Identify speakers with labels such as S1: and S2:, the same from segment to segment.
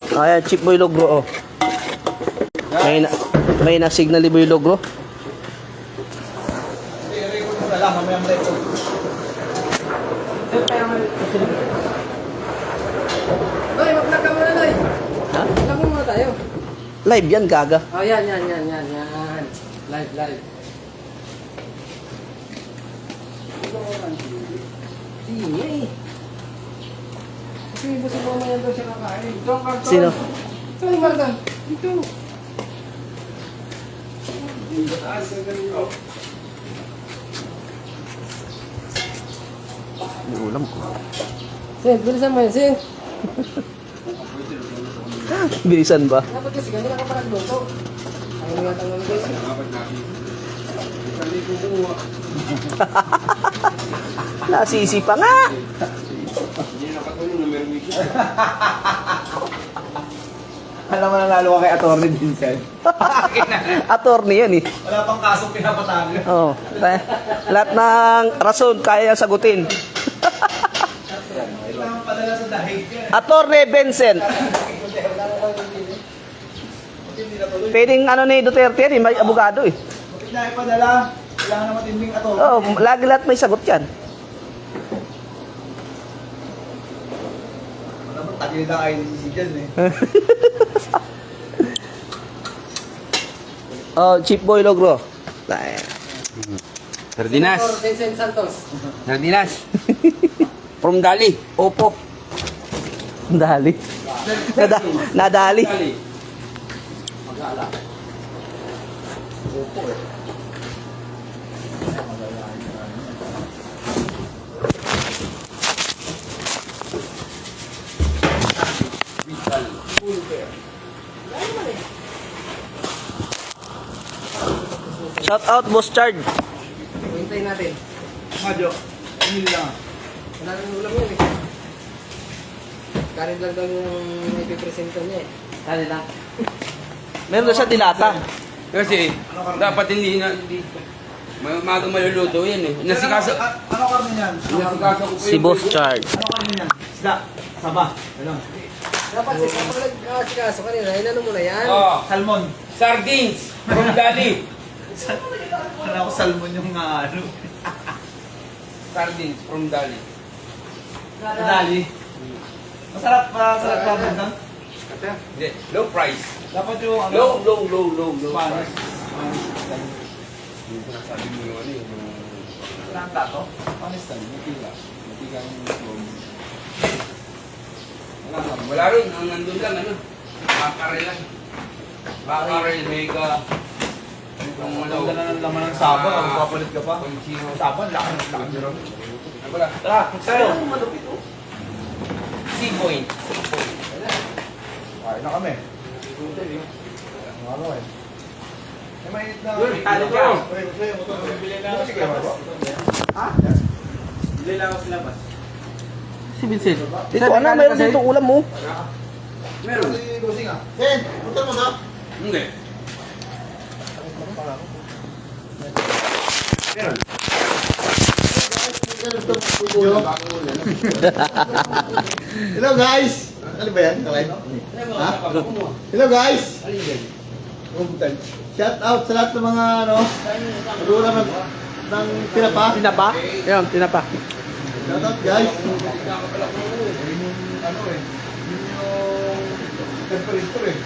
S1: Ayan, Chip Boy Logro, oh. May na-signal ni Boy Logro.
S2: I-record mo na lang, mamaya ma-record.
S3: Loy, mag-vlog ka muna, Loy.
S1: Ha?
S3: Vlog mo muna tayo.
S1: Live yan, gaga.
S3: Oh, yan. Live. Sige. Kasi busi mo yan daw siya kakain. Ito ang karton.
S1: Sino?
S3: Ito ang karton. Ito.
S1: May ulam ko.
S3: Sin, bilisan mo yan, Sin.
S1: Bilisan ba?
S3: Dapat kasi ganyan ka pa nagluto. Ayaw mo yata ng guys.
S1: Nasisi pa nga.
S2: Alam mo nanalo ka kay Atty. Vincent.
S1: Attorney yan eh.
S2: Wala pang kasong pinapatalo.
S1: Oh, lahat ng rason kaya sagutin.
S2: Kailangan padala sa dahig yan.
S1: Attorney Vincent. Pwedeng ano ni Duterte yan eh, may abogado eh.
S2: Bakit na ipadala? Kailangan na matinding atty.
S1: Oh, lagi lahat may sagot yan.
S2: Dapat tagilid ang IDC dyan eh.
S1: Oh, Chip Boy Logro.
S4: Sardinas.
S3: Or Vincent Santos.
S4: Sardinas. From Dali. Opo.
S1: Dali. Nadali. Shout out Boss Chard.
S3: Hintayin natin.
S2: Madyo, hindi lang.
S3: Wala nang ulam yun eh. Kanin lang daw yung ipipresento niya eh.
S1: Kanin lang. Meron na siya dilata.
S4: Kasi dapat hindi magang maluluto yan eh. Nasikaso.
S2: Ano karne yan?
S4: Nasikaso ko po
S1: Si Boss Chard.
S2: Ano karne yan? Isda. Saba. Ganun.
S3: Dapat kapag nag-asikaso kanina, inano mo na yan.
S4: Oh,
S2: Salmon.
S4: sardines from Dali.
S2: Ano ko salmon yung ano?
S4: Sardines from Dali.
S2: Dali. Masarap pa doon.
S4: Hindi, low price.
S2: Dapat yung ano?
S4: Low
S2: Spanish.
S4: price. Yung sinasabi mo yung ano yung
S2: Wala ang tato?
S4: Spanish style, matiga. Matiga yung wala rin, ang nandun lang ano. Bakarel lang. Bakarel, mega. Yung
S2: Ang ganda ng laman ng saba, kung papalit ka pa.
S4: Conchino.
S2: Saba, laki ng laki.
S4: Ano pala?
S2: Tara, tayo.
S4: Sea point.
S2: Kain na kami. Ano eh. May mainit na.
S4: Ano ka?
S2: Bili na ako sa labas. Ha? Bili na ako sa labas.
S1: Si Vincent. Dito, ano, mayroon dito ulam mo.
S4: Meron.
S2: Si Bossing ah. Sen, punta mo na.
S4: Hindi. Meron.
S2: Hello guys! Ano ba yan? Kalive? Ha? Hello guys! Shout out sa lahat ng mga ano, magulang ng tinapa.
S1: Tinapa? Ayun, tinapa.
S2: Shout out guys! Ano eh? Yung temperature eh.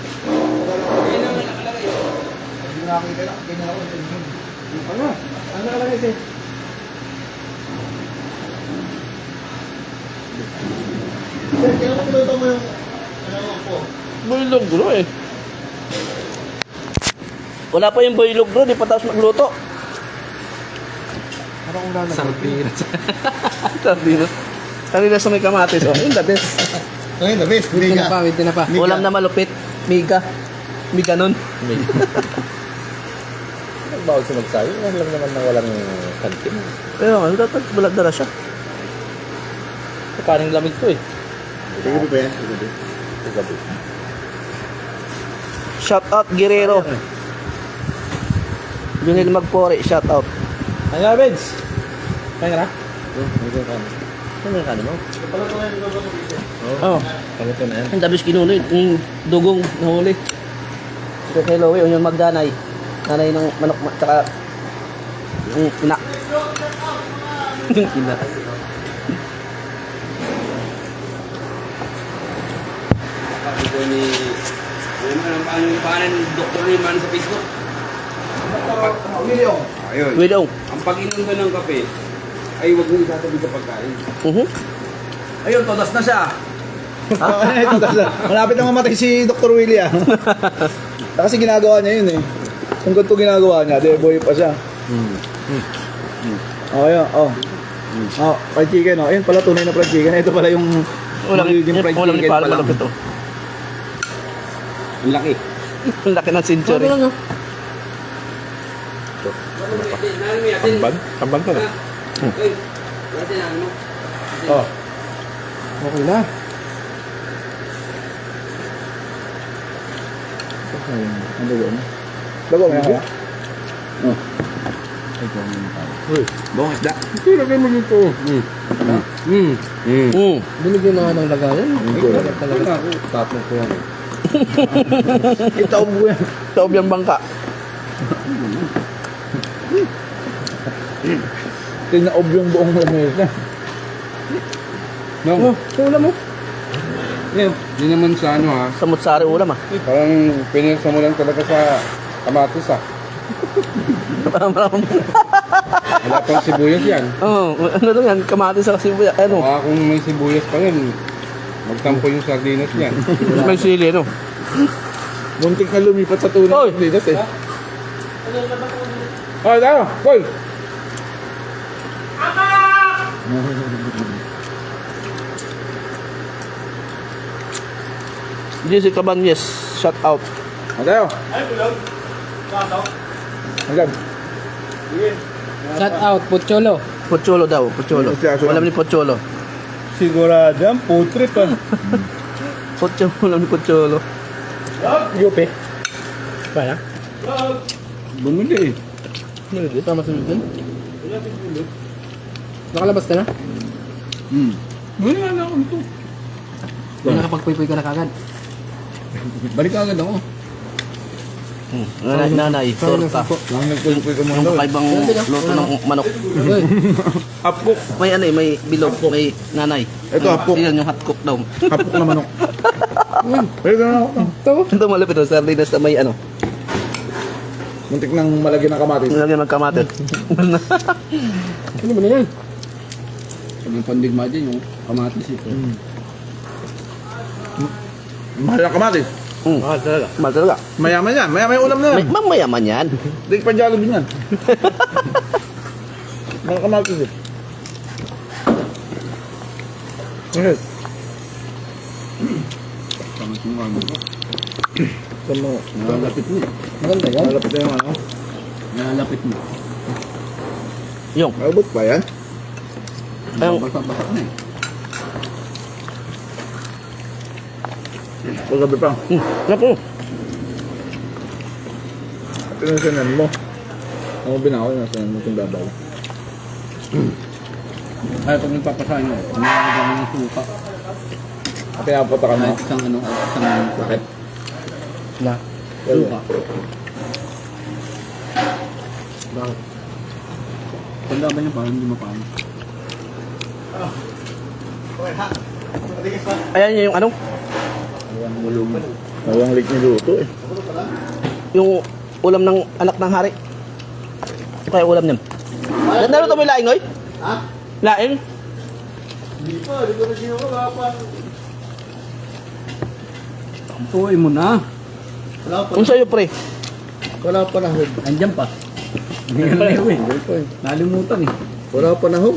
S2: Hindi nakakita na. Ganyan ako. Ano? Ano nakalagay sa'yo? Sir, kailan mo pinuto mo yung ano po?
S1: Boy Logro eh. Wala pa yung Boy Logro, di pa tapos magluto.
S2: Parang ulan na.
S1: Sardinas. Sardinas. Sardinas na may kamatis. Oh, yun the best.
S2: Ngayon, the best.
S3: With tinapa.
S2: Miga.
S1: Ulam na malupit. Miga. Miga nun.
S5: Bawal siya magsayo. Yan lang naman na walang kantin.
S1: Pero ano, dapat balag siya.
S5: Kaning lamig to eh.
S2: Gabi ba yan?
S5: Gabi.
S1: Shout out Guerrero. Junil Magpore, shout out.
S5: Ano nga, Benz? Kaya na?
S2: Hindi ko kami.
S5: Ano yung kanin mo?
S1: Oo.
S5: Paluto na yan.
S1: Ang dabis kinuloy, yung dugong nahuli. Ito kay Lowe, yung magdanay. Nanay ng manok, tsaka yung ina. Yung ina.
S4: Sabi ko ni... Ano naman ang pangalan ni Dr. Rayman sa Facebook? Ayun.
S1: Widong.
S4: Ang pag-inom ka ng kape, ay huwag mo isasabi sa pagkain.
S3: Ayun, todas na siya.
S2: Ito, malapit na mamatay si Dr. Willie ah. Kasi ginagawa niya yun eh. Kung ganito ginagawa niya, di boy pa siya. Oh, yun. Oh. Oh, fried chicken oh. Ayun pala tunay na fried chicken. Ito pala yung magiging fried
S1: Ulam ni
S2: chicken
S1: Paro
S2: pala.
S1: malapit to.
S4: Ang laki.
S1: Ang laki ng century.
S5: Kambag? Kambag ka na.
S2: Oh.
S3: Okay na.
S2: Ang dugo na. Dugo na kaya? Oh.
S4: Bong isda.
S3: Lagay mo dito. Binigyan na nga ng lagayan. Ay, talaga. Tatlong ko yan.
S2: Itaob ko yan.
S1: Taob yung bangka.
S2: Tinaob yung buong lamesa.
S3: No. Ulam mo.
S6: Hindi naman sa ano ha.
S1: Sa mutsari ulam ah.
S6: Parang pinirsa mo lang talaga sa kamatis ha. Wala pang sibuyas yan.
S1: Oo, ano lang yan, kamatis sa sibuya. Ano,
S6: Baka kung may sibuyas pa yan, magtampo yung sardinas yan.
S1: may sili, ano.
S2: Muntik na lumipat sa tunay
S1: Oy!
S2: ng Lidas eh.
S6: Oh, tayo! Boy!
S1: JC Cabanyes, shout out.
S2: Oh, tayo. Hanggang.
S3: Shout out, Pucholo.
S1: Pocholo daw, Pocholo. Ulam ni Pocholo.
S2: Sigurado yan, putrip ah.
S1: Pocholo, ulam ni Pocholo.
S2: Yupi.
S1: Kaya?
S6: Bumili eh.
S1: Hindi, tama sa dun.
S3: Nakalabas ka na?
S6: Bumili nga na ako ito.
S3: Nakapagpuy-puy ka na kagad.
S6: Balik agad ako.
S1: Nanay, torta.
S6: Lang nagpulpoy ka
S1: Yung
S6: muna.
S1: kakaibang luto ng manok.
S3: Uy,
S2: Hapok.
S1: May ano eh, may bilog, may nanay.
S2: Ito, hapok.
S1: Yan yung hot cook daw.
S2: Hapok na manok. Pwede na ako.
S1: Ito malapit yung sardinas na may ano.
S2: Muntik nang malagyan ng kamatis.
S1: Nilagyan ng kamatis.
S3: ano ba na yan?
S6: Yung pandigma dyan, yung kamatis ito.
S2: Mahal ang kamatis.
S1: Mahal talaga. Mahal talaga.
S2: Mayaman yan. Mayaman yung ulam na yan.
S1: Mayaman yan.
S2: Hindi pa Jollibee yan. Mga kamatis eh. Bakit?
S6: Kamat yung ano.
S2: Tama.
S6: Nalalapit mo.
S3: Maganda yan.
S2: Malapit na yung ano.
S6: Nalalapit mo.
S1: Yung.
S2: Malabot ba yan?
S1: Ayun.
S6: Basa-basa na eh.
S2: Paggabi pa.
S1: Naku.
S2: Pinasinan mo. Ako binakaw yung nasinan mo itong babaw.
S6: Ay, pag nagpapasahin mo, umaagam mo ng suka.
S2: Kaya pata ka na.
S6: Kahit isang ano, isang bakit?
S3: Na.
S6: Suka.
S3: Bakit?
S6: Tanda ba niya parang hindi mapano?
S1: Ayan yung ano,
S2: Nawang lik niluto eh.
S1: yung ulam ng anak ng hari. Kaya ulam niyan. Naruto mo yung laing, oy?
S2: Ha?
S1: Laing?
S2: Hindi pa. Hindi ko na sinuha pa.
S6: Tuloy mo na.
S2: Wala pa.
S1: Kung sa'yo, pre.
S2: Wala pa na hog.
S6: Andyan pa. Hindi ka na eh. Nalimutan eh.
S2: Wala pa na hog.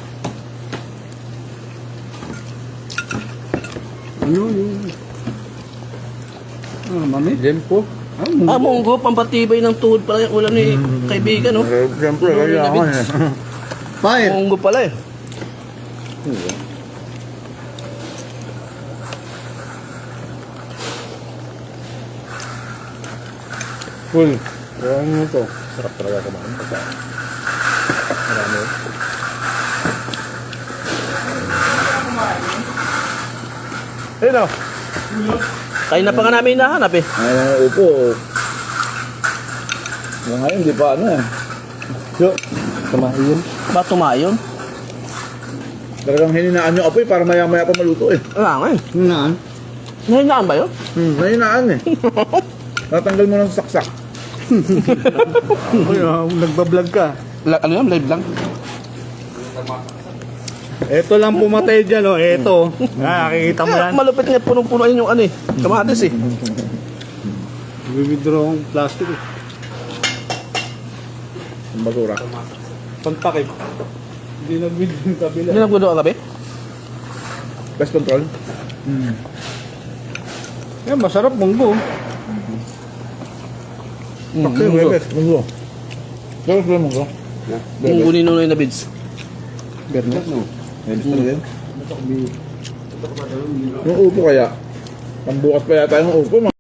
S6: Ano yun? Ah, mami? Lempo?
S1: Ah, munggo, pampatibay ng tuhod pala yung ulam ni kaibigan, no?
S2: Siyempre, kaya ako eh. Fine.
S1: Munggo pala eh.
S6: Full. Kaya ano to?
S5: Sarap talaga kumain. Marami.
S1: Ayun o. Kain na pa nga namin hinahanap eh.
S2: Ay, upo. Ngayon, di pa ano eh. So,
S5: Kumain.
S1: Ba tumayon?
S2: talagang hininaan yung apoy para maya-maya pa maluto eh.
S1: Wala nga eh.
S2: Hininaan?
S1: Nahinaan ba yun?
S2: Hininaan eh. Natanggal mo ng saksak.
S5: Nagbablog ka.
S1: Ano yan? Live lang?
S5: Ito lang pumatay dyan, oh. Ito. Nakikita mo yan.
S1: Malupit nga punong-puno yun yung ano eh. Kamatis eh.
S5: Bibidro ang plastic eh.
S2: Ang basura.
S5: Pantakip. Hindi nag-video yung kabila.
S1: Hindi nagbudo ka gabi?
S2: Pest control.
S5: Yan, masarap munggo.
S2: Pakti yung best. Munggo. Tapos ba munggo?
S1: Yung gunin nunoy na bids.
S5: Bernard, no?
S2: Best na rin. Yung upo kaya. Pambukas pa yata yung upo.